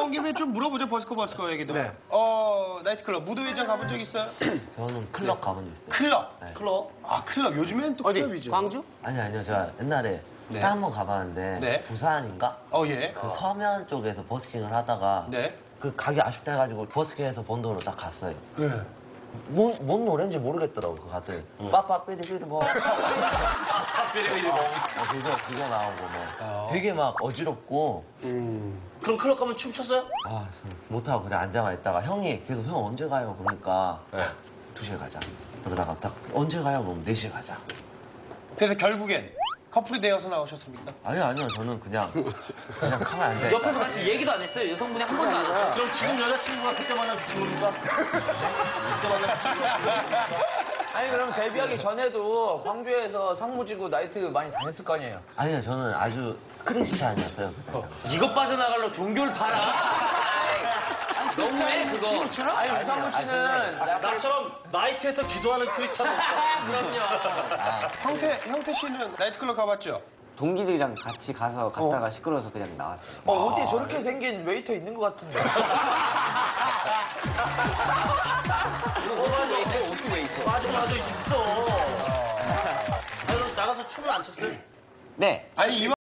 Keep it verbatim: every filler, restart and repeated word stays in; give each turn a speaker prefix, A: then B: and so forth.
A: 나온 김에 좀 물어보죠, 버스커 버스커 얘기도.
B: 네.
A: 어, 나이트클럽, 무도회장 가본 적 있어요?
C: 저는 클럽 가본 적 있어요.
A: 클럽?
C: 네.
B: 클럽?
A: 아, 클럽. 요즘엔 또
B: 어디?
A: 클럽이죠.
B: 광주?
C: 아니 아니요, 제가 옛날에
A: 네.
C: 딱 한 번 가봤는데
A: 네.
C: 부산인가?
A: 어, 예.
C: 그 서면 쪽에서 버스킹을 하다가
A: 네.
C: 그 가기 아쉽다 해가지고 버스킹에서 본 돈으로 딱 갔어요.
A: 네.
C: 뭔, 뭔 노래인지 모르겠더라고, 그 갔더니. 빠빠삐리삐리 뭐.
B: 삐리삐리 뭐.
C: 어, 그거, 그거 나오고 뭐. 되게 막 어지럽고.
B: 그럼 클럽 가면 춤췄어요?
C: 아, 저는 못하고 그냥 앉아만 있다가 형이 계속 형 언제 가요? 그러니까
B: 네.
C: 두 시에 가자. 그러다가 딱 언제 가요? 그럼 네 시에 가자.
A: 그래서 결국엔 커플이 되어서 나오셨습니까?
C: 아니요, 아니요. 저는 그냥, 그냥 가만히 앉아있다.
B: 옆에서 같이 얘기도 안 했어요? 여성분이 한 번도 안 했어요? 그럼 지금 여자친구가 그때 만난 그 친구입니까? 그때 만난 그 친구가
D: 아니 그럼 데뷔하기 전에도 광주에서 상무지구 나이트 많이 다녔을 거 아니에요?
C: 아니요, 저는 아주 크리스찬이었어요. 그때.
B: 이것 빠져나가려고 종교를 팔아. 너무해 그거.
D: 아니 우상무 씨는 약간
B: 나처럼 나이트에서 기도하는 크리스찬 없어. 그럼요.
A: 형태, 형태 씨는 나이트클럽 가봤죠?
E: 동기들이랑 같이 가서 갔다가 시끄러워서 그냥 나왔어요.
D: 어, 어디 저렇게 생긴 웨이터 있는 것 같은데.
B: 어, 맞아. 어떻게 왜 있어? 맞아, 맞아. 있어. 아니, 그럼 나가서 춤을 안 췄어요?
E: 네.
A: 아니, 이왕